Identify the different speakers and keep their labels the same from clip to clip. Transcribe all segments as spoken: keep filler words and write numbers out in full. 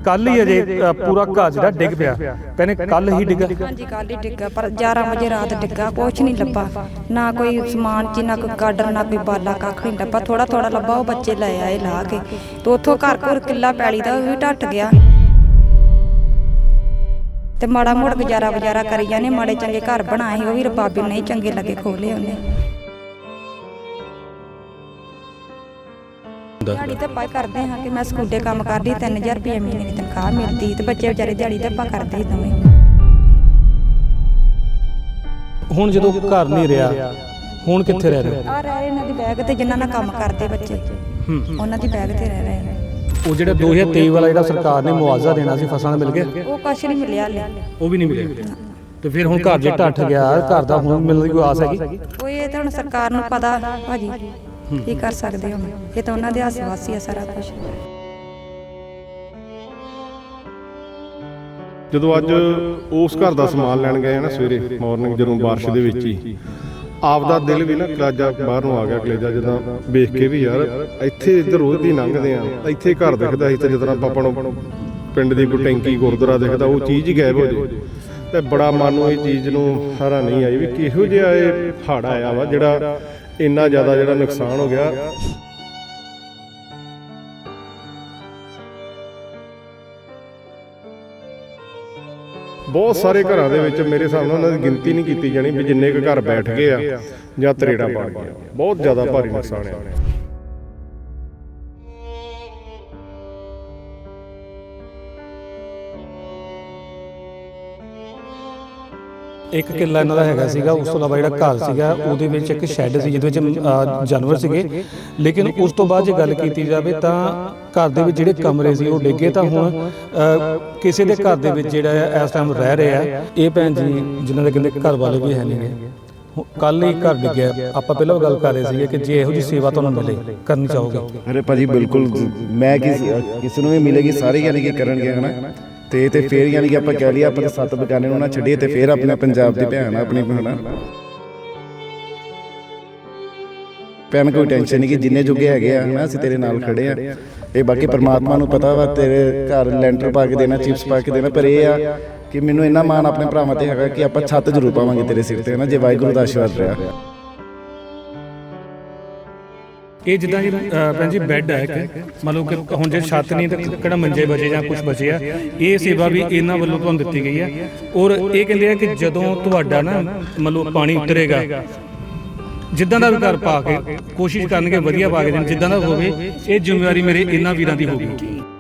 Speaker 1: ਕੱਲ ਹੀ ਅਜੇ ਪੂਰਾ ਘਰ ਜਿਹੜਾ ਡਿੱਗ ਪਿਆ। ਕਹਿੰਦੇ ਕੱਲ ਹੀ ਡਿੱਗਾ।
Speaker 2: ਹਾਂਜੀ ਕੱਲ ਹੀ ਡਿੱਗਾ, ਪਰ ਗਿਆਰਾਂ ਵਜੇ ਰਾਤ ਡਿੱਗਾ। ਕੁਛ ਨਹੀਂ ਲੱਭਾ, ਨਾ ਕੋਈ ਸਮਾਨ ਚ, ਨਾ ਕੋਈ ਗਾਡਰ, ਨਾ ਕੋਈ ਬਾਲਾ, ਕੱਖ ਨਹੀਂ ਲੱਭਾ। ਥੋੜਾ ਥੋੜਾ ਲੱਭਾ, ਉਹ ਬੱਚੇ ਲੈ ਆਏ ਲਾ ਕੇ, ਤੇ ਉੱਥੋਂ ਘਰ ਘਰ ਕਿੱਲਾ ਪੈਲੀ ਦਾ ਉਹ ਵੀ ਢੱਟ ਗਿਆ। ਤੇ ਮਾੜਾ ਮੋੜ ਗੁਜ਼ਾਰਾ ਵਜ਼ਾਰਾ ਕਰੀ ਜਾਂਦੇ, ਮਾੜੇ ਚੰਗੇ ਘਰ ਬਣਾਏ ਉਹ ਵੀ ਰਬਾਬੀ ਨਹੀਂ ਚੰਗੇ ਲੱਗੇ, ਖੋਲੇ ਉਹਨੇ। ਦਿਹਾੜੀ ਧੱਪਾ ਕਰਦੇ ਹਾਂ ਕਿ ਮੈਂ ਸਕੂਲੇ ਕੰਮ ਕਰਦੀ, ਤਿੰਨ ਹਜ਼ਾਰ ਰੁਪਏ ਮਹੀਨੇ ਦੀ ਤਨਖਾਹ ਮਿਲਦੀ, ਤੇ ਬੱਚੇ ਵਿਚਾਰੇ ਦਿਹਾੜੀ ਧੱਪਾ ਕਰਦੇ ਸੀ ਦੋਵੇਂ।
Speaker 1: ਹੁਣ ਜਦੋਂ ਘਰ ਨਹੀਂ ਰਿਹਾ, ਹੁਣ ਕਿੱਥੇ ਰਹਿ ਰਹੇ?
Speaker 2: ਆ ਰਹੇ ਇਹਨਾਂ ਦੀ ਬੈਗ ਤੇ, ਜਿਨ੍ਹਾਂ ਨਾਲ ਕੰਮ ਕਰਦੇ ਬੱਚੇ, ਉਹਨਾਂ ਦੀ ਬੈਗ ਤੇ ਰਹਿ ਰਹੇ।
Speaker 1: ਉਹ ਜਿਹੜਾ ਦੋ ਹਜ਼ਾਰ ਤੇਈ ਵਾਲਾ ਜਿਹੜਾ ਸਰਕਾਰ ਨੇ ਮੁਆਵਜ਼ਾ ਦੇਣਾ ਸੀ ਫਸਲਾਂ ਦਾ, ਮਿਲ ਗਿਆ?
Speaker 2: ਉਹ ਕੁਛ ਨਹੀਂ ਮਿਲਿਆ ਹਾਲੇ,
Speaker 1: ਉਹ ਵੀ ਨਹੀਂ ਮਿਲਿਆ। ਤੇ ਫਿਰ ਹੁਣ ਘਰ ਜੇ ਢੱਠ ਗਿਆ, ਘਰ ਦਾ ਹੁਣ ਮਿਲਣ ਦੀ ਕੋਈ ਆਸ ਹੈਗੀ?
Speaker 2: ਉਹ ਇਹ ਤਾਂ ਹੁਣ ਸਰਕਾਰ ਨੂੰ ਪਤਾ ਭਾਜੀ, ਕੀ ਕਰ ਸਕਦੇ ਹੁਣ, ਇਹ ਤਾਂ ਉਹਨਾਂ ਦੇ ਹੱਥ ਵਾਸੀ ਆ ਸਾਰਾ ਕੁਝ।
Speaker 3: ਜਦੋਂ ਅੱਜ ਉਸ ਘਰ ਦਾ ਸਮਾਨ ਲੈਣ ਗਏ ਨਾ ਸਵੇਰੇ ਮਾਰਨਿੰਗ, ਜਦੋਂ ਬਾਰਿਸ਼ ਦੇ ਵਿੱਚ ਹੀ ਆਪਦਾ ਦਿਲ ਵੀ ਨਾ ਕਲੇਜਾ ਬਾਹਰ ਨੂੰ ਆ ਗਿਆ। ਕਲੇਜਾ ਜਦੋਂ ਵੇਖ ਕੇ ਵੀ ਯਾਰ ਇੱਥੇ ਇੱਧਰ ਰੋਜ਼ ਦੀ ਲੰਘਦੇ ਆ, ਇੱਥੇ ਘਰ ਦਿਖਦਾ ਸੀ, ਤੇ ਜਦੋਂ ਆਪਾਂ ਨੂੰ ਪਿੰਡ ਦੀ ਕੋਈ ਟੈਂਕੀ ਗੁਰਦੁਆਰਾ ਦਿਖਦਾ, ਉਹ ਚੀਜ਼ ਹੀ ਗਾਇਬ ਹੋ ਜੇ। ਤੇ ਬੜਾ ਮਨ ਨੂੰ ਇਹ ਚੀਜ਼ ਨੂੰ ਹਰਾ ਨਹੀਂ ਆਈ ਵੀ ਕਿਹੋ ਜਿਹਾ ਇਹ ਹੜ੍ਹ ਆਇਆ ਵਾ ਜਿਹੜਾ ਇੰਨਾ ਜ਼ਿਆਦਾ ਜਿਹੜਾ ਨੁਕਸਾਨ ਹੋ ਗਿਆ। ਬਹੁਤ ਸਾਰੇ ਘਰਾਂ ਦੇ ਵਿੱਚ ਮੇਰੇ ਹਿਸਾਬ ਨਾਲ ਉਹਨਾਂ ਦੀ ਗਿਣਤੀ ਨਹੀਂ ਕੀਤੀ ਜਾਣੀ ਵੀ ਜਿੰਨੇ ਕੁ ਘਰ ਬੈਠ ਗਏ ਆ ਜਾਂ ਤਰੇੜਾਂ ਪੜ ਗਈਆਂ। ਬਹੁਤ ਜ਼ਿਆਦਾ ਭਾਰੀ ਨੁਕਸਾਨ ਆ।
Speaker 1: ਇੱਕ ਕਿੱਲਾ ਇਹਨਾਂ ਦਾ ਹੈਗਾ ਸੀਗਾ, ਉਸ ਤੋਂ ਇਲਾਵਾ ਜਿਹੜਾ ਘਰ ਸੀਗਾ ਉਹਦੇ ਵਿੱਚ ਇੱਕ ਸ਼ੈੱਡ ਸੀ ਜਿਹਦੇ ਵਿੱਚ ਜਾਨਵਰ ਸੀਗੇ। ਲੇਕਿਨ ਉਸ ਤੋਂ ਬਾਅਦ ਜੇ ਗੱਲ ਕੀਤੀ ਜਾਵੇ ਤਾਂ ਘਰ ਦੇ ਵਿੱਚ ਜਿਹੜੇ ਕਮਰੇ ਸੀ ਉਹ ਡਿੱਗੇ। ਤਾਂ ਹੁਣ ਕਿਸੇ ਦੇ ਘਰ ਦੇ ਵਿੱਚ ਜਿਹੜਾ ਇਸ ਟਾਈਮ ਰਹਿ ਰਿਹਾ ਇਹ ਭੈਣ ਜੀ ਜਿਨ੍ਹਾਂ ਦੇ ਕਹਿੰਦੇ ਘਰ ਵਾਲੇ ਵੀ ਹੈ ਨਹੀਂ ਗੇ, ਕੱਲ ਹੀ ਘਰ ਡਿੱਗਿਆ। ਆਪਾਂ ਪਹਿਲਾਂ ਗੱਲ ਕਰ ਰਹੇ ਸੀਗੇ ਕਿ ਜੇ ਇਹੋ ਜਿਹੀ ਸੇਵਾ ਤੁਹਾਨੂੰ ਮਿਲੇ ਕਰਨੀ ਚਾਹੋਗੇ?
Speaker 4: ਅਰੇ ਭਾਜੀ ਬਿਲਕੁਲ, ਮੈਂ ਕਿਸੇ ਨੂੰ ਵੀ ਮਿਲੇਗੀ ਸਾਰੇ ਯਾਨੀ ਕਿ ਕਰਨਗੇ ਹਨਾ। ਤੇ ਤੇ ਫੇਰ ਯਾਨੀ ਕਿ ਆਪਾਂ ਕਹਿ ਲਈਏ ਆਪਣੇ ਸੱਤ ਬਗਾਨੇ ਨੂੰ ਨਾ ਛੱਡੀਏ, ਤੇ ਫੇਰ ਆਪਣੇ ਪੰਜਾਬ ਦੀ ਭੈਣ ਆਪਣੀ ਭੈਣ ਭੈਣ ਕੋਈ ਟੈਨਸ਼ਨ ਨਹੀਂ ਕਿ ਜਿੰਨੇ ਜੋਗੇ ਹੈਗੇ ਆ ਹਨਾ, ਅਸੀਂ ਤੇਰੇ ਨਾਲ ਖੜੇ ਆ। ਇਹ ਬਾਕੀ ਪਰਮਾਤਮਾ ਨੂੰ ਪਤਾ ਵਾ, ਤੇਰੇ ਘਰ ਲੈਂਟਰ ਪਾ ਕੇ ਦੇਣਾ, ਚਿਪਸ ਪਾ ਕੇ ਦੇਣਾ, ਪਰ ਇਹ ਆ ਕਿ ਮੈਨੂੰ ਇੰਨਾ ਮਾਣ ਆਪਣੇ ਭਰਾਵਾਂ ਤੇ ਹੈਗਾ ਕਿ ਆਪਾਂ ਛੱਤ ਜ਼ਰੂਰ ਪਾਵਾਂਗੇ ਤੇਰੇ ਸਿਰ ਤੇ ਹਨਾ, ਜੇ ਵਾਹਿਗੁਰੂ ਦਾ ਆਸ਼ੀਰਵਾਦ ਰਿਹਾ।
Speaker 1: ਇਹ ਜਿੱਦਾਂ ਜੀ ਭੈਣ ਜੀ ਬੈੱਡ ਹੈ ਕਿ ਮਤਲਬ ਕਿ ਹੁਣ ਜੇ ਛੱਤ ਨਹੀਂ ਤਾਂ ਕਿਹੜਾ ਮੰਜੇ ਬਚੇ ਜਾਂ ਕੁਝ ਬਚੇ ਆ, ਇਹ ਸੇਵਾ ਵੀ ਇਹਨਾਂ ਵੱਲੋਂ ਤੁਹਾਨੂੰ ਦਿੱਤੀ ਗਈ ਹੈ। ਔਰ ਇਹ ਕਹਿੰਦੇ ਆ ਕਿ ਜਦੋਂ ਤੁਹਾਡਾ ਨਾ ਮਤਲਬ ਪਾਣੀ ਉਤਰੇਗਾ, ਜਿੱਦਾਂ ਦਾ ਵੀ ਘਰ ਪਾ ਕੇ ਕੋਸ਼ਿਸ਼ ਕਰਨਗੇ ਵਧੀਆ ਪਾ ਕੇ ਦੇਣ, ਜਿੱਦਾਂ ਦਾ ਹੋਵੇ। ਇਹ ਜ਼ਿੰਮੇਵਾਰੀ ਮੇਰੇ ਇਹਨਾਂ ਵੀਰਾਂ ਦੀ ਹੋਊਗੀ।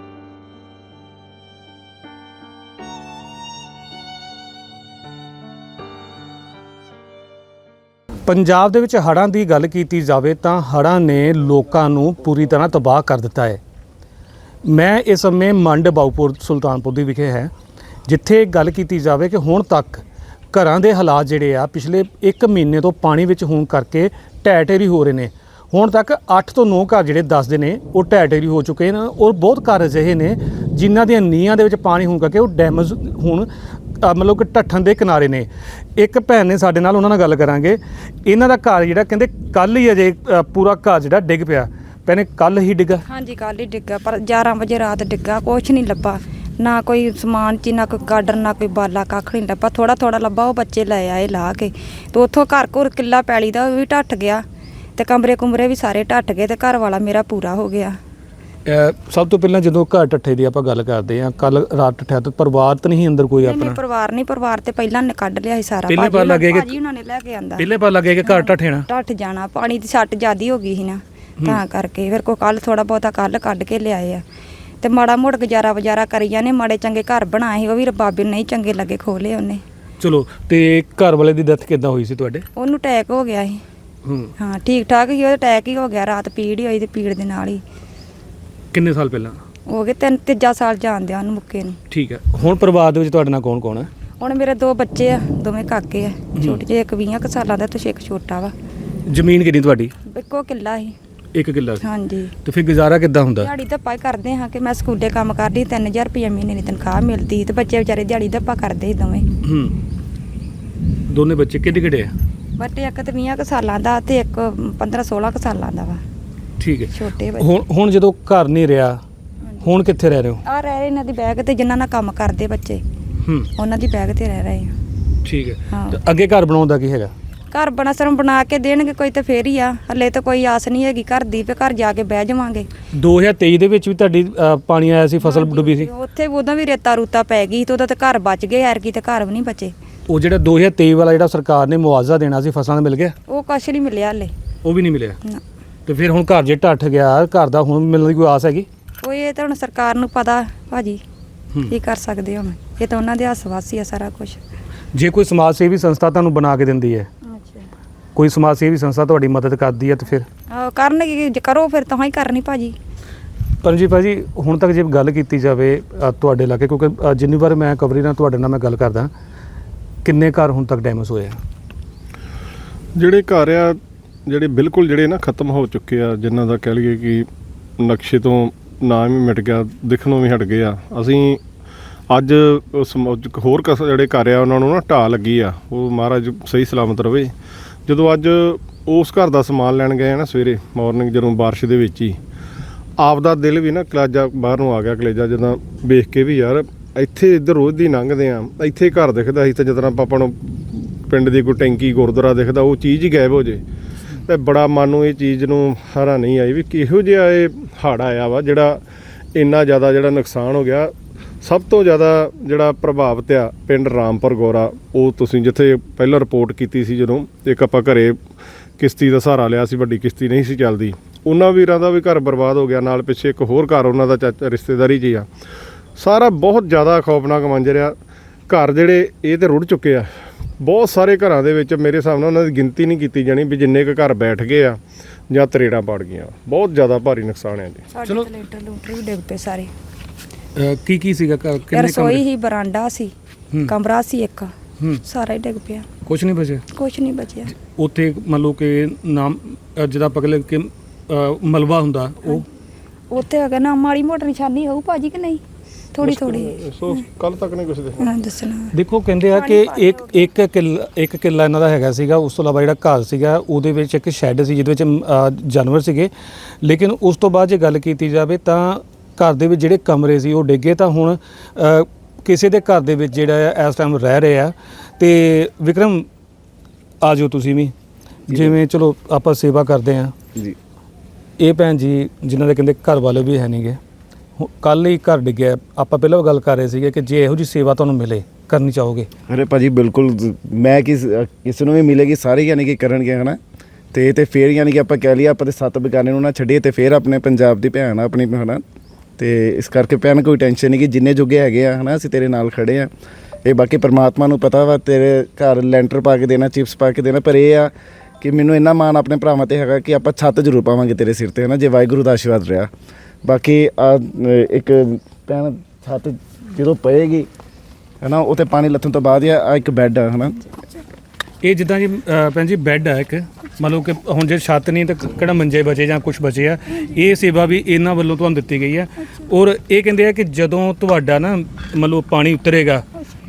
Speaker 1: ਪੰਜਾਬ ਦੇ ਵਿੱਚ ਹੜ੍ਹਾਂ ਦੀ ਗੱਲ ਕੀਤੀ ਜਾਵੇ ਤਾਂ ਹੜ੍ਹਾਂ ਨੇ ਲੋਕਾਂ ਨੂੰ ਪੂਰੀ ਤਰ੍ਹਾਂ ਤਬਾਹ ਕਰ ਦਿੱਤਾ ਹੈ। ਮੈਂ ਇਸ ਸਮੇਂ ਮੰਡ ਬਾਉਪੁਰ ਸੁਲਤਾਨਪੁਰ ਦੀ ਵਿਖੇ ਹੈ, ਜਿੱਥੇ ਗੱਲ ਕੀਤੀ ਜਾਵੇ ਕਿ ਹੁਣ ਤੱਕ ਘਰਾਂ ਦੇ ਹਾਲਾਤ ਜਿਹੜੇ ਆ ਪਿਛਲੇ ਇੱਕ ਮਹੀਨੇ ਤੋਂ ਪਾਣੀ ਵਿੱਚ ਹੋਣ ਕਰਕੇ ਢਹਿ ਢੇਰੀ ਹੋ ਰਹੇ ਨੇ। ਹੁਣ ਤੱਕ ਅੱਠ ਤੋਂ ਨੌ ਘਰ ਜਿਹੜੇ ਦੱਸਦੇ ਨੇ ਉਹ ਢਹਿ ਢੇਰੀ ਹੋ ਚੁੱਕੇ ਨੇ, ਔਰ ਬਹੁਤ ਘਰ ਅਜਿਹੇ ਨੇ ਜਿਨ੍ਹਾਂ ਦੀਆਂ ਨੀਹਾਂ ਦੇ ਵਿੱਚ ਪਾਣੀ ਹੋਣ ਕਰਕੇ ਉਹ ਡੈਮੇਜ ਹੁਣ ਮਤਲਬ ਕਿ ਢੱਠਣ ਦੇ ਕਿਨਾਰੇ ਨੇ। ਇੱਕ ਭੈਣ ਨੇ ਸਾਡੇ ਨਾਲ, ਉਹਨਾਂ ਨਾਲ ਗੱਲ ਕਰਾਂਗੇ। ਇਹਨਾਂ ਦਾ ਘਰ ਜਿਹੜਾ ਕਹਿੰਦੇ ਕੱਲ ਹੀ ਅਜੇ ਪੂਰਾ ਘਰ ਜਿਹੜਾ ਡਿੱਗ ਪਿਆ। ਭੈਣੇ ਕੱਲ ਹੀ ਡਿੱਗਾ?
Speaker 2: ਹਾਂਜੀ ਕੱਲ ਹੀ ਡਿੱਗਾ, ਪਰ ਗਿਆਰਾਂ ਵਜੇ ਰਾਤ ਡਿੱਗਾ। ਕੁਛ ਨਹੀਂ ਲੱਭਾ, ਨਾ ਕੋਈ ਸਮਾਨ ਚ, ਨਾ ਕੋਈ ਗਾਡਰ, ਨਾ ਕੋਈ ਬਾਲਾ, ਕੱਖ ਨਹੀਂ ਲੱਭਾ। ਥੋੜਾ ਥੋੜਾ ਲੱਭਾ, ਉਹ ਬੱਚੇ ਲੈ ਆਏ ਲਾ ਕੇ, ਤੇ ਉੱਥੋਂ ਘਰ ਘਰ ਕਿੱਲਾ ਪੈਲੀ ਦਾ ਉਹ ਵੀ ਢੱਟ ਗਿਆ, ਤੇ ਕਮਰੇ ਕੁਮਰੇ ਵੀ ਸਾਰੇ ਢੱਟ ਗਏ, ਤੇ ਘਰ ਵਾਲਾ ਮੇਰਾ ਪੂਰਾ ਹੋ ਗਿਆ।
Speaker 1: ਸਭ ਤੋਂ ਪਹਿਲਾਂ ਜਦੋਂ ਘਰ ਟੱਠੇ ਦੀ ਆਪਾਂ ਗੱਲ ਕਰਦੇ ਹਾਂ, ਕੱਲ ਰਾਤ ਟੱਠਿਆ ਤਾਂ ਪਰਿਵਾਰ ਤਾਂ ਨਹੀਂ ਅੰਦਰ ਕੋਈ ਆਪਣਾ?
Speaker 2: ਪਰਿਵਾਰ ਨਹੀਂ, ਪਰਿਵਾਰ ਤੇ ਪਹਿਲਾਂ ਨੇ ਕੱਢ ਲਿਆ ਸੀ ਸਾਰਾ।
Speaker 1: ਪਹਿਲੇ ਪਤਾ ਲੱਗੇ ਕਿ
Speaker 2: ਭਾਜੀ ਉਹਨਾਂ ਨੇ ਲੈ ਕੇ ਆਂਦਾ,
Speaker 1: ਪਹਿਲੇ ਪਤਾ ਲੱਗੇ ਕਿ ਘਰ ਟੱਠੇਣਾ
Speaker 2: ਢੱਠ ਜਾਣਾ, ਪਾਣੀ ਦੀ ਸੱਟ ਜ਼ਿਆਦੀ ਹੋ ਗਈ ਸੀ ਨਾ, ਤਾਂ ਕਰਕੇ ਫਿਰ ਕੋਈ ਕੱਲ ਥੋੜਾ ਬਹੁਤਾ ਕੱਲ ਕੱਢ ਕੇ ਲਿਆਏ ਆ, ਤੇ ਮਾੜਾ ਮੋੜ ਗੁਜ਼ਾਰਾ ਵਜ਼ਾਰਾ ਕਰੀ ਜਾਂਦੇ, ਮਾੜੇ ਚੰਗੇ ਘਰ ਬਣਾਏ ਸੀ ਉਹ ਵੀ ਰਬਾਬੀ ਨਹੀਂ ਚੰਗੇ ਲੱਗੇ, ਖੋਲੇ ਉਹਨੇ।
Speaker 1: ਚਲੋ, ਤੇ ਘਰ ਵਾਲੇ ਦੀ ਡੈਥ ਕਿੱਦਾਂ ਹੋਈ ਸੀ ਤੁਹਾਡੇ?
Speaker 2: ਉਹਨੂੰ ਅਟੈਕ ਹੋ ਗਿਆ ਸੀ। ਹਾਂ ਠੀਕ ਠਾਕ ਹੀ, ਉਹ ਅਟੈਕ ਹੀ ਹੋ ਗਿਆ, ਰਾਤ ਪੀੜ ਹੀ ਹੋਈ, ਤੇ ਪੀੜ ਦੇ ਨਾਲ ਹੀ।
Speaker 1: ਕਿੰਨੇ ਸਾਲ ਪਹਿਲਾਂ
Speaker 2: ਹੋ ਗਏ? ਤਿੰਨ ਤੀਜਾ ਸਾਲ ਜਾਣਦੇ ਆ ਉਹਨੂੰ ਮੁੱਕੇ ਨੂੰ।
Speaker 1: ਠੀਕ ਹੈ। ਹੁਣ ਪਰਿਵਾਰ ਦੇ ਵਿੱਚ ਤੁਹਾਡੇ ਨਾਲ ਕੌਣ ਕੌਣ ਹੈ?
Speaker 2: ਹੁਣ ਮੇਰੇ ਦੋ ਬੱਚੇ ਆ, ਦੋਵੇਂ ਕਾਕੇ ਆ ਛੋਟੇ ਜਿਹੇ, ਇੱਕ ਵੀਹਾਂ ਕੁ ਸਾਲਾਂ ਦਾ ਤੇ ਇੱਕ ਛੋਟਾ ਵਾ।
Speaker 1: ਜ਼ਮੀਨ ਕਿੰਨੀ ਤੁਹਾਡੀ?
Speaker 2: ਇੱਕੋ ਕਿੱਲਾ ਸੀ।
Speaker 1: ਇੱਕ ਕਿੱਲਾ ਸੀ?
Speaker 2: ਹਾਂਜੀ।
Speaker 1: ਤੇ ਫਿਰ ਗੁਜ਼ਾਰਾ ਕਿੱਦਾਂ ਹੁੰਦਾ?
Speaker 2: ਦਿਹਾੜੀ ਧੱਪਾ ਕਰਦੇ ਹਾਂ ਕਿ ਮੈਂ ਸਕੂਲੇ ਕੰਮ ਕਰਦੀ, ਤਿੰਨ ਹਜ਼ਾਰ ਰੁਪਏ ਮਹੀਨੇ ਦੀ ਤਨਖਾਹ ਮਿਲਦੀ, ਤੇ ਬੱਚੇ ਵਿਚਾਰੇ ਦਿਹਾੜੀ ਧੱਪਾ ਕਰਦੇ ਸੀ ਦੋਵੇਂ।
Speaker 1: ਹੂੰ। ਦੋਨੇ ਬੱਚੇ ਕਿਹੜੇ ਕਿਹੜੇ ਆ?
Speaker 2: ਬਟ ਇੱਕ ਤੇ ਵੀਹਾਂ ਕੁ ਸਾਲਾਂ ਦਾ ਤੇ ਇੱਕ ਪੰਦਰਾਂ ਸੋਲਾਂ ਕੁ ਸਾਲਾਂ ਦਾ ਵਾ।
Speaker 1: ਠੀਕ ਹੈ।
Speaker 2: ਛੋਟੇ ਬੱਚੇ।
Speaker 1: ਹੁਣ ਹੁਣ ਜਦੋਂ ਘਰ ਨਹੀਂ ਰਿਹਾ, ਹੁਣ ਕਿੱਥੇ ਰਹਿ ਰਹੇ ਹੋ?
Speaker 2: ਆ ਰਹਿ ਰਹੇ ਇਹਨਾਂ ਦੀ ਬੈਗ ਤੇ, ਜਿਨ੍ਹਾਂ ਨਾਲ ਕੰਮ ਕਰਦੇ ਬੱਚੇ,
Speaker 1: ਹੂੰ
Speaker 2: ਉਹਨਾਂ ਦੀ ਬੈਗ ਤੇ ਰਹਿ ਰਹੇ ਆ।
Speaker 1: ਠੀਕ ਹੈ।
Speaker 2: ਹਾਂ।
Speaker 1: ਤੇ ਅੱਗੇ ਘਰ ਬਣਾਉਣ ਦਾ ਕੀ ਹੈਗਾ?
Speaker 2: ਘਰ ਬਣਾ ਸਰਮ ਬਣਾ ਕੇ ਦੇਣਗੇ ਕੋਈ ਤੇ ਫੇਰ ਹੀ ਆ, ਹਲੇ ਤਾਂ ਕੋਈ ਆਸ ਨਹੀਂ ਹੈਗੀ ਘਰ ਦੀ, ਤੇ ਘਰ ਜਾ ਕੇ ਬਹਿ ਜਾਵਾਂਗੇ।
Speaker 1: ਦੋ ਹਜ਼ਾਰ ਤੇਈ ਦੇ ਵਿੱਚ ਵੀ ਤੁਹਾਡੀ ਅ, ਪਾਣੀ ਆਇਆ ਸੀ, ਫਸਲ ਡੁੱਬੀ ਸੀ।
Speaker 2: ਉੱਥੇ ਉਦੋਂ ਵੀ ਰੇਤਾ ਰੂਤਾ ਪੈ ਗਈ ਤੇ ਉਹਦਾ ਤੇ ਘਰ ਬਚ ਗਏ, ਐਰ ਕੀ ਤੇ ਘਰ ਵੀ ਨਹੀਂ ਬਚੇ।
Speaker 1: ਉਹ ਜਿਹੜਾ ਦੋ ਹਜ਼ਾਰ ਤੇਈ ਵਾਲਾ ਜਿਹੜਾ ਸਰਕਾਰ ਨੇ ਮੁਆਵਜ਼ਾ ਦੇਣਾ ਸੀ ਫਸਲਾਂ ਦਾ ਮਿਲ ਗਿਆ?
Speaker 2: ਉਹ ਕੁਛ ਨਹੀਂ ਮਿਲਿਆ ਹਲੇ।
Speaker 1: ਉਹ ਵੀ ਨਹੀਂ ਮਿਲਿਆ।
Speaker 2: ਨਾ
Speaker 1: ਤੇ ਫਿਰ ਹੁਣ ਘਰ ਜੇ ਢੱਠ ਗਿਆ, ਘਰ ਦਾ ਹੁਣ ਮਿਲਣ ਦੀ ਕੋਈ ਆਸ ਹੈਗੀ?
Speaker 2: ਕੋਈ ਇਹ ਤਾਂ ਹੁਣ ਸਰਕਾਰ ਨੂੰ ਪਤਾ ਭਾਜੀ,
Speaker 1: ਹੂੰ।
Speaker 2: ਕੀ ਕਰ ਸਕਦੇ ਹੁਣ, ਇਹ ਤਾਂ ਉਹਨਾਂ ਦੇ ਹੱਥ ਵਾਸੀ ਆ ਸਾਰਾ ਕੁਝ।
Speaker 1: ਜੇ ਕੋਈ ਸਮਾਜ ਸੇਵੀ ਸੰਸਥਾ ਤੁਹਾਨੂੰ ਬਣਾ ਕੇ ਦਿੰਦੀ ਹੈ, ਕੋਈ ਸਮਾਜ ਸੇਵੀ ਸੰਸਥਾ ਤੁਹਾਡੀ ਮਦਦ ਕਰਦੀ ਹੈ, ਤੇ ਫਿਰ
Speaker 2: ਆਹ ਕਰਨਗੇ, ਜੇ ਕਰੋ ਫਿਰ ਤਾਂ ਹੀ ਕਰਨੀ ਭਾਜੀ।
Speaker 1: ਪਰ ਜੀ ਭਾਜੀ ਹੁਣ ਤੱਕ ਜੇ ਗੱਲ ਕੀਤੀ ਜਾਵੇ ਅ, ਤੁਹਾਡੇ ਇਲਾਕੇ, ਕਿਉਂਕਿ ਅ, ਜਿੰਨੀ ਵਾਰ ਮੈਂ ਕਵਰੀ ਨਾਲ ਤੁਹਾਡੇ ਨਾਲ ਮੈਂ ਗੱਲ ਕਰਦਾ, ਕਿੰਨੇ ਘਰ ਹੁਣ ਤੱਕ ਡੈਮੇਜ ਹੋਏ ਆ?
Speaker 3: ਜਿਹੜੇ ਘਰ ਆ ਜਿਹੜੇ ਬਿਲਕੁਲ ਜਿਹੜੇ ਨਾ ਖਤਮ ਹੋ ਚੁੱਕੇ ਆ, ਜਿਨ੍ਹਾਂ ਦਾ ਕਹਿ ਲਈਏ ਕਿ ਨਕਸ਼ੇ ਤੋਂ ਨਾਮ ਹੀ ਮਿਟ ਗਿਆ, ਦਿਖਣੋਂ ਵੀ ਹਟ ਗਏ ਆ। ਅਸੀਂ ਅੱਜ ਉਸ ਮ- ਹੋਰ ਕਸ ਜਿਹੜੇ ਘਰ ਆ ਉਹਨਾਂ ਨੂੰ ਨਾ ਢਾਹ ਲੱਗੀ ਆ, ਉਹ ਮਹਾਰਾਜ ਸਹੀ ਸਲਾਮਤ ਰਵੇ। ਜਦੋਂ ਅੱਜ ਉਸ ਘਰ ਦਾ ਸਮਾਨ ਲੈਣ ਗਏ ਆ ਨਾ ਸਵੇਰੇ ਮਾਰਨਿੰਗ, ਜਦੋਂ ਬਾਰਿਸ਼ ਦੇ ਵਿੱਚ ਹੀ ਆਪਦਾ ਦਿਲ ਵੀ ਨਾ ਕਲੇਜਾ ਬਾਹਰ ਨੂੰ ਆ ਗਿਆ, ਕਲੇਜਾ ਜਦੋਂ ਵੇਖ ਕੇ ਵੀ ਯਾਰ ਇੱਥੇ ਇੱਧਰ ਰੋਜ਼ ਦੀ ਲੰਘਦੇ ਆ, ਇੱਥੇ ਘਰ ਦਿਖਦਾ ਸੀ ਤੇ ਜਦੋਂ ਆਪਾਂ ਨੂੰ ਪਿੰਡ ਦੀ ਕੋਈ ਟੈਂਕੀ ਗੁਰਦੁਆਰਾ ਦਿਖਦਾ, ਉਹ ਚੀਜ਼ ਹੀ ਗਾਇਬ ਹੋ ਜੇ। ਤੇ ਬੜਾ ਮਨ ਨੂੰ ਇਹ ਚੀਜ਼ ਨੂੰ ਹਰਾ ਨਹੀਂ ਆਈ ਵੀ ਕਿਹੋ ਜਿਹਾ ਇਹ ਹੜ੍ਹ ਆਇਆ ਵਾ ਜਿਹੜਾ ਇੰਨਾ ਜ਼ਿਆਦਾ ਜਿਹੜਾ ਨੁਕਸਾਨ ਹੋ ਗਿਆ। ਸਭ ਤੋਂ ਜ਼ਿਆਦਾ ਜਿਹੜਾ ਪ੍ਰਭਾਵਿਤ ਆ ਪਿੰਡ ਰਾਮਪੁਰ ਗੋਰਾ, ਉਹ ਤੁਸੀਂ ਜਿੱਥੇ ਪਹਿਲਾਂ ਰਿਪੋਰਟ ਕੀਤੀ ਸੀ, ਜਦੋਂ ਇੱਕ ਆਪਾਂ ਘਰੇ ਕਿਸ਼ਤੀ ਦਾ ਸਹਾਰਾ ਲਿਆ ਸੀ, ਵੱਡੀ ਕਿਸ਼ਤੀ ਨਹੀਂ ਸੀ ਚੱਲਦੀ, ਉਹਨਾਂ ਵੀਰਾਂ ਦਾ ਵੀ ਘਰ ਬਰਬਾਦ ਹੋ ਗਿਆ। ਨਾਲ ਪਿੱਛੇ ਇੱਕ ਹੋਰ ਘਰ ਉਹਨਾਂ ਦਾ ਚਾਚਾ ਰਿਸ਼ਤੇਦਾਰੀ 'ਚ ਹੀ ਆ। ਸਾਰਾ ਬਹੁਤ ਜ਼ਿਆਦਾ ਖੌਫਨਾਕ ਮੰਜ਼ਰ ਆ। ਘਰ ਜਿਹੜੇ ਇਹ ਤੇ ਰੁੜ ਚੁੱਕੇ ਆ, ਬਹੁਤ ਸਾਰੇ ਘਰਾਂ ਦੇ ਵਿੱਚ ਮੇਰੇ ਹਿਸਾਬ ਨਾਲ ਉਹਨਾਂ ਦੀ ਗਿਣਤੀ ਨਹੀਂ ਕੀਤੀ ਜਾਣੀ ਵੀ ਜਿੰਨੇ ਕੁ ਘਰ ਬੈਠ ਗਏ ਆ ਜਾਂ ਤਰੇੜਾਂ ਪੜ ਗਈਆਂ। ਬਹੁਤ ਜ਼ਿਆਦਾ ਭਾਰੀ ਨੁਕਸਾਨ ਹੈ ਜੀ।
Speaker 2: ਸਾਡੇ ਤਾਂ ਲੈਂਟਰ ਲੂੰਟਰ ਵੀ ਡਿੱਗ ਪਏ ਸਾਰੇ।
Speaker 1: ਕੀ ਕੀ ਸੀਗਾ ਘਰ? ਕਿੰਨੇ
Speaker 2: ਰਸੋਈ ਹੀ, ਬਰਾਂਡਾ ਸੀ,
Speaker 1: ਹੂੰ।
Speaker 2: ਕਮਰਾ ਸੀ ਇੱਕ,
Speaker 1: ਹੂੰ।
Speaker 2: ਸਾਰਾ ਹੀ ਡਿੱਗ ਪਿਆ,
Speaker 1: ਕੁਝ ਨਹੀਂ ਬਚਿਆ
Speaker 2: ਕੁਛ ਨਹੀਂ ਬਚਿਆ।
Speaker 1: ਉੱਥੇ? ਮੰਨ ਲਓ ਕਿ ਨਾਮ ਅ, ਜਿਹਦਾ ਪਕੜ ਕਿ ਅ, ਮਲਬਾ ਹੁੰਦਾ, ਉਹ
Speaker 2: ਉੱਥੇ ਹੈਗਾ ਨਾ ਮਾੜੀ ਮੋਟੀ ਨਿਸ਼ਾਨੀ ਹੋਊ ਭਾਜੀ ਕਿ ਨਹੀਂ? ਥੋੜੀ ਥੋੜੀ
Speaker 3: ਸੋ ਕੱਲ ਤੱਕ ਨਹੀਂ ਕੁਛ ਦੇਖਿਆ।
Speaker 2: ਦੱਸਣਾ।
Speaker 1: ਦੇਖੋ ਕਹਿੰਦੇ ਆ ਕਿ ਇੱਕ ਇੱਕ ਕਿੱਲਾ ਇੱਕ ਕਿੱਲਾ ਇਹਨਾਂ ਦਾ ਹੈਗਾ ਸੀਗਾ। ਉਸ ਤੋਂ ਇਲਾਵਾ ਜਿਹੜਾ ਘਰ ਸੀਗਾ ਉਹਦੇ ਵਿੱਚ ਇੱਕ ਸ਼ੈੱਡ ਸੀ ਜਿਹਦੇ ਵਿੱਚ ਅ, ਜਾਨਵਰ ਸੀਗੇ। ਲੇਕਿਨ ਉਸ ਤੋਂ ਬਾਅਦ ਜੇ ਗੱਲ ਕੀਤੀ ਜਾਵੇ ਤਾਂ ਘਰ ਦੇ ਵਿੱਚ ਜਿਹੜੇ ਕਮਰੇ ਸੀ ਉਹ ਡਿੱਗੇ। ਤਾਂ ਹੁਣ ਅ, ਕਿਸੇ ਦੇ ਘਰ ਦੇ ਵਿੱਚ ਜਿਹੜਾ ਆ ਇਸ ਟਾਈਮ ਰਹਿ ਰਹੇ ਆ। ਤੇ ਵਿਕਰਮ ਆ ਜਾਓ ਤੁਸੀਂ ਵੀ, ਜਿਵੇਂ ਚਲੋ ਆਪਾਂ ਸੇਵਾ ਕਰਦੇ ਆ
Speaker 4: ਜੀ।
Speaker 1: ਇਹ ਭੈਣ ਜੀ ਜਿਨ੍ਹਾਂ ਦੇ ਕਹਿੰਦੇ ਘਰ ਵਾਲੇ ਵੀ ਹੈ ਨਹੀਂਗੇ, ਕੱਲ੍ਹ ਹੀ ਘਰ ਡਿੱਗਿਆ। ਆਪਾਂ ਪਹਿਲਾਂ ਗੱਲ ਕਰ ਰਹੇ ਸੀਗੇ ਕਿ ਜੇ ਇਹੋ ਜਿਹੀ ਸੇਵਾ ਤੁਹਾਨੂੰ ਮਿਲੇ ਕਰਨੀ ਚਾਹੋਗੇ?
Speaker 4: ਅਰੇ ਭਾਜੀ ਬਿਲਕੁਲ, ਮੈਂ ਕਿਸ ਕਿਸੇ ਨੂੰ ਵੀ ਮਿਲੇਗੀ ਸਾਰੇ ਯਾਨੀ ਕਿ ਕਰਨਗੇ ਹੈ ਨਾ। ਤੇ ਤੇ ਫਿਰ ਯਾਨੀ ਕਿ ਆਪਾਂ ਕਹਿ ਲਈਏ ਆਪਾਂ ਤੇ ਸੱਤ ਬਗਾਨੇ ਨੂੰ ਨਾ ਛੱਡੀਏ, ਤੇ ਫਿਰ ਆਪਣੇ ਪੰਜਾਬ ਦੀ ਭੈਣ ਆ ਆਪਣੀ ਹੈ ਨਾ। ਤੇ ਇਸ ਕਰਕੇ ਭੈਣ ਕੋਈ ਟੈਨਸ਼ਨ ਨਹੀਂ ਕਿ ਜਿੰਨੇ ਜੋਗੇ ਹੈਗੇ ਆ ਹੈ ਨਾ, ਅਸੀਂ ਤੇਰੇ ਨਾਲ ਖੜੇ ਆ। ਇਹ ਬਾਕੀ ਪਰਮਾਤਮਾ ਨੂੰ ਪਤਾ ਵਾ, ਤੇਰੇ ਘਰ ਲੈਂਟਰ ਪਾ ਕੇ ਦੇਣਾ, ਚਿਪਸ ਪਾ ਕੇ ਦੇਣਾ। ਪਰ ਇਹ ਆ ਕਿ ਮੈਨੂੰ ਇੰਨਾ ਮਾਣ ਆਪਣੇ ਭਰਾਵਾਂ 'ਤੇ ਹੈਗਾ ਕਿ ਆਪਾਂ ਛੱਤ ਜ਼ਰੂਰ ਪਾਵਾਂਗੇ ਤੇਰੇ ਸਿਰ 'ਤੇ ਹੈ ਨਾ, ਜੇ ਵਾਹਿਗੁਰੂ ਦਾ ਆਸ਼ੀਰਵਾਦ ਰਿਹਾ। ਬਾਕੀ ਆ ਇੱਕ ਭੈਣ ਛੱਤ ਜਦੋਂ ਪਏਗੀ ਹੈ ਨਾ, ਉਹ 'ਤੇ ਪਾਣੀ ਲੱਥਣ ਤੋਂ ਬਾਅਦ ਆ ਇੱਕ ਬੈੱਡ ਆ ਹੈ ਨਾ।
Speaker 1: ਇਹ ਜਿੱਦਾਂ ਜੀ ਅ, ਭੈਣ ਜੀ ਬੈੱਡ ਆ ਇੱਕ, ਮੰਨ ਲਓ ਕਿ ਹੁਣ ਜੇ ਛੱਤ ਨਹੀਂ ਤਾਂ ਕਿਹੜਾ ਮੰਜੇ ਬਚੇ ਜਾਂ ਕੁਝ ਬਚੇ ਆ, ਇਹ ਸੇਵਾ ਵੀ ਇਹਨਾਂ ਵੱਲੋਂ ਤੁਹਾਨੂੰ ਦਿੱਤੀ ਗਈ ਆ। ਔਰ ਇਹ ਕਹਿੰਦੇ ਆ ਕਿ ਜਦੋਂ ਤੁਹਾਡਾ ਨਾ ਮੰਨ ਲਓ ਪਾਣੀ ਉਤਰੇਗਾ,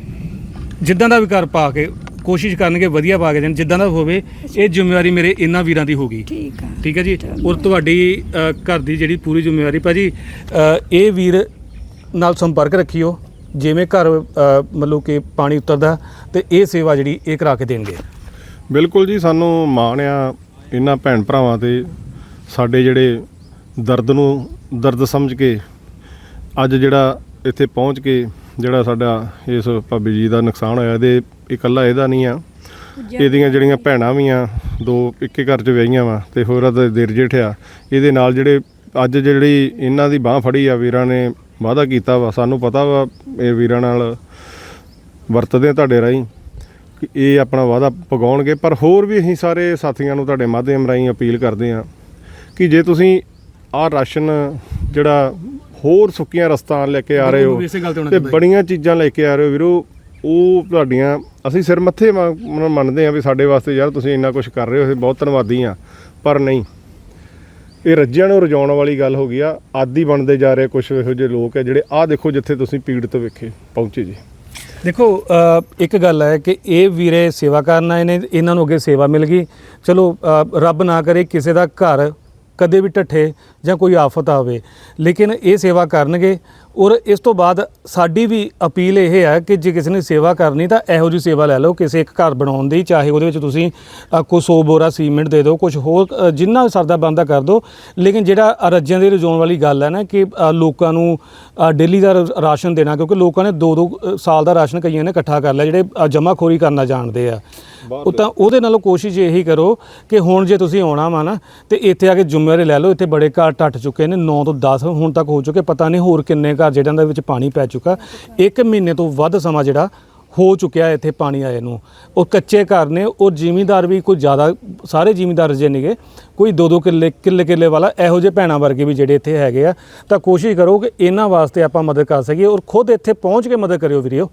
Speaker 1: ਜਿੱਦਾਂ ਦਾ ਵੀ ਘਰ ਪਾ ਕੇ ਕੋਸ਼ਿਸ਼ ਕਰਨਗੇ ਵਧੀਆ ਪਾ ਕੇ ਦੇਣ, ਜਿੱਦਾਂ ਦਾ ਹੋਵੇ। ਇਹ ਜ਼ਿੰਮੇਵਾਰੀ ਮੇਰੇ ਇਹਨਾਂ ਵੀਰਾਂ ਦੀ ਹੋਗੀ।
Speaker 2: ਠੀਕ ਆ,
Speaker 1: ਠੀਕ ਹੈ ਜੀ। ਔਰ ਤੁਹਾਡੀ ਅ, ਘਰ ਦੀ ਜਿਹੜੀ ਪੂਰੀ ਜ਼ਿੰਮੇਵਾਰੀ ਭਾਜੀ, ਅ, ਇਹ ਵੀਰ ਨਾਲ ਸੰਪਰਕ ਰੱਖਿਓ। ਜਿਵੇਂ ਘਰ ਅ, ਮਤਲਬ ਕਿ ਪਾਣੀ ਉਤਰਦਾ ਤੇ ਇਹ ਸੇਵਾ ਜਿਹੜੀ ਇਹ ਕਰਾ ਕੇ ਦੇਣਗੇ।
Speaker 3: ਬਿਲਕੁਲ ਜੀ, ਸਾਨੂੰ ਮਾਣ ਆ ਇਹਨਾਂ ਭੈਣ ਭਰਾਵਾਂ 'ਤੇ, ਸਾਡੇ ਜਿਹੜੇ ਦਰਦ ਨੂੰ ਦਰਦ ਸਮਝ ਕੇ ਅੱਜ ਜਿਹੜਾ ਇੱਥੇ ਪਹੁੰਚ ਕੇ ਜਿਹੜਾ ਸਾਡਾ ਇਸ ਭਾਬੀ ਜੀ ਦਾ ਨੁਕਸਾਨ ਹੋਇਆ, ਇਹਦੇ ਇਕੱਲਾ ਇਹਦਾ ਨਹੀਂ ਆ, ਇਹਦੀਆਂ ਜਿਹੜੀਆਂ ਭੈਣਾਂ ਵੀ ਆ, ਦੋ ਇੱਕੇ ਘਰ 'ਚ ਵਿਆਹੀਆਂ ਵਾ ਤੇ ਹੋਰਾਂ ਦਾ ਦੇਰ ਜੇਠ ਆ। ਇਹਦੇ ਨਾਲ ਜਿਹੜੇ ਅੱਜ ਜਿਹੜੀ ਇਹਨਾਂ ਦੀ ਬਾਂਹ ਫੜੀ ਆ, ਵੀਰਾਂ ਨੇ ਵਾਅਦਾ ਕੀਤਾ ਵਾ, ਸਾਨੂੰ ਪਤਾ ਵਾ ਇਹ ਵੀਰਾਂ ਨਾਲ ਵਰਤਦੇ ਆ ਤੁਹਾਡੇ ਰਾਹੀਂ ਕਿ ਇਹ ਆਪਣਾ ਵਾਅਦਾ ਪਗਾਉਣਗੇ। ਪਰ ਹੋਰ ਵੀ ਅਸੀਂ ਸਾਰੇ ਸਾਥੀਆਂ ਨੂੰ ਤੁਹਾਡੇ ਮਾਧਿਅਮ ਰਾਹੀਂ ਅਪੀਲ ਕਰਦੇ ਹਾਂ ਕਿ ਜੇ ਤੁਸੀਂ ਆਹ ਰਾਸ਼ਨ ਜਿਹੜਾ ਹੋਰ ਸੁੱਕੀਆਂ ਰਸਤਾਂ ਲੈ ਕੇ ਆ ਰਹੇ ਹੋ ਤੇ ਬੜੀਆਂ ਚੀਜ਼ਾਂ ਲੈ ਕੇ ਆ ਰਹੇ ਹੋ ਵੀਰੋ, ਉਹ ਤੁਹਾਡੀਆਂ ਅਸੀਂ ਸਿਰ ਮੱਥੇ ਮੰਨਦੇ ਹਾਂ ਵੀ ਸਾਡੇ ਵਾਸਤੇ ਯਾਰ ਤੁਸੀਂ ਇੰਨਾ ਕੁਝ ਕਰ ਰਹੇ ਹੋ, ਅਸੀਂ ਬਹੁਤ ਧੰਨਵਾਦੀ ਹਾਂ। ਪਰ ਨਹੀਂ, ਇਹ ਰੱਜਿਆਂ ਨੂੰ ਰਜਾਉਣ ਵਾਲੀ ਗੱਲ ਹੋ ਗਈ ਆ। ਆਦੀ ਬਣਦੇ ਜਾ ਰਹੇ ਕੁਝ ਇਹੋ ਜਿਹੇ ਲੋਕ ਹੈ ਜਿਹੜੇ ਆਹ ਦੇਖੋ ਜਿੱਥੇ ਤੁਸੀਂ ਪੀੜਤ ਵੇਖੇ ਪਹੁੰਚੇ ਜੀ।
Speaker 1: ਦੇਖੋ ਅ, ਇੱਕ ਗੱਲ ਹੈ ਕਿ ਇਹ ਵੀਰੇ ਸੇਵਾ ਕਰਨ ਆਏ ਨੇ, ਇਹਨਾਂ ਨੂੰ ਅੱਗੇ ਸੇਵਾ ਮਿਲ ਗਈ। ਚਲੋ ਅ, ਰੱਬ ਨਾ ਕਰੇ ਕਿਸੇ ਦਾ ਘਰ ਕਦੇ ਵੀ ਢੱਠੇ ਜਾਂ ਕੋਈ ਆਫਤ ਆਵੇ, ਲੇਕਿਨ ਇਹ ਸੇਵਾ ਕਰਨਗੇ। ਔਰ ਇਸ ਤੋਂ ਬਾਅਦ ਸਾਡੀ ਵੀ ਅਪੀਲ ਇਹ ਹੈ ਕਿ ਜੇ ਕਿਸੇ ਨੇ ਸੇਵਾ ਕਰਨੀ ਤਾਂ ਇਹੋ ਜਿਹੀ ਸੇਵਾ ਲੈ ਲਓ, ਕਿਸੇ ਇੱਕ ਘਰ ਬਣਾਉਣ ਦੀ, ਚਾਹੇ ਉਹਦੇ ਵਿੱਚ ਤੁਸੀਂ ਅ, ਕੋਈ ਸੌ ਬੋਰਾ ਸੀਮੈਂਟ ਦੇ ਦਿਓ, ਕੁਝ ਹੋਰ ਅ, ਜਿੰਨਾ ਸਰਦਾ ਬਣਦਾ ਕਰ ਦਿਓ। ਲੇਕਿਨ ਜਿਹੜਾ ਰੱਜਿਆਂ ਦੇ ਰਜਾਉਣ ਵਾਲੀ ਗੱਲ ਹੈ ਨਾ ਕਿ ਅ, ਲੋਕਾਂ ਨੂੰ ਡੇਲੀ ਦਾ ਰ- ਰਾਸ਼ਨ ਦੇਣਾ, ਕਿਉਂਕਿ ਲੋਕਾਂ ਨੇ ਦੋ ਦੋ ਅ, ਸਾਲ ਦਾ ਰਾਸ਼ਨ ਕਈਆਂ ਨੇ ਇਕੱਠਾ ਕਰ ਲਿਆ ਜਿਹੜੇ ਜਮ੍ਹਾਖੋਰੀ ਕਰਨਾ ਜਾਣਦੇ ਆ। ਉਹ ਤਾਂ ਉਹਦੇ ਨਾਲੋਂ ਕੋਸ਼ਿਸ਼ ਇਹੀ ਕਰੋ ਕਿ ਹੁਣ ਜੇ ਤੁਸੀਂ ਆਉਣਾ ਵਾ ਨਾ ਤੇ ਇੱਥੇ ਆ ਕੇ ਜ਼ਿੰਮੇਵਾਰੀ ਲੈ ਲਓ। ਇੱਥੇ ਬੜੇ ਘਰ ਟੱਟ ਚੁੱਕੇ ਨੇ, ਨੌ ਤੋਂ ਦਸ ਹੁਣ ਤੱਕ ਹੋ ਚੁੱਕੇ, ਪਤਾ ਨਹੀਂ ਹੋਰ ਕਿੰਨੇ ਘਰ ਜਿਹਨਾਂ ਦੇ ਵਿੱਚ ਪਾਣੀ ਪੈ ਚੁੱਕਾ। ਇੱਕ ਮਹੀਨੇ ਤੋਂ ਵੱਧ ਸਮਾਂ ਜਿਹੜਾ ਹੋ ਚੁੱਕਿਆ ਇੱਥੇ ਪਾਣੀ ਆਏ ਨੂੰ। ਉਹ ਕੱਚੇ ਘਰ ਨੇ, ਉਹ ਜ਼ਿਮੀਂਦਾਰ ਵੀ ਕੋਈ ਜ਼ਿਆਦਾ, ਸਾਰੇ ਜ਼ਿਮੀਂਦਾਰ ਜੇ ਨੇਗੇ, ਕੋਈ ਦੋ ਦੋ ਕਿੱਲੇ ਕਿੱਲੇ ਕਿੱਲੇ ਵਾਲਾ, ਇਹੋ ਜਿਹੇ ਭੈਣਾਂ ਵਰਗੇ ਵੀ ਜਿਹੜੇ ਇੱਥੇ ਹੈਗੇ ਆ। ਤਾਂ ਕੋਸ਼ਿਸ਼ ਕਰੋ ਕਿ ਇਹਨਾਂ ਵਾਸਤੇ ਆਪਾਂ ਮਦਦ ਕਰ ਸਕੀਏ, ਔਰ ਖੁਦ ਇੱਥੇ ਪਹੁੰਚ ਕੇ ਮਦਦ ਕਰਿਓ ਵੀਰਿਓ।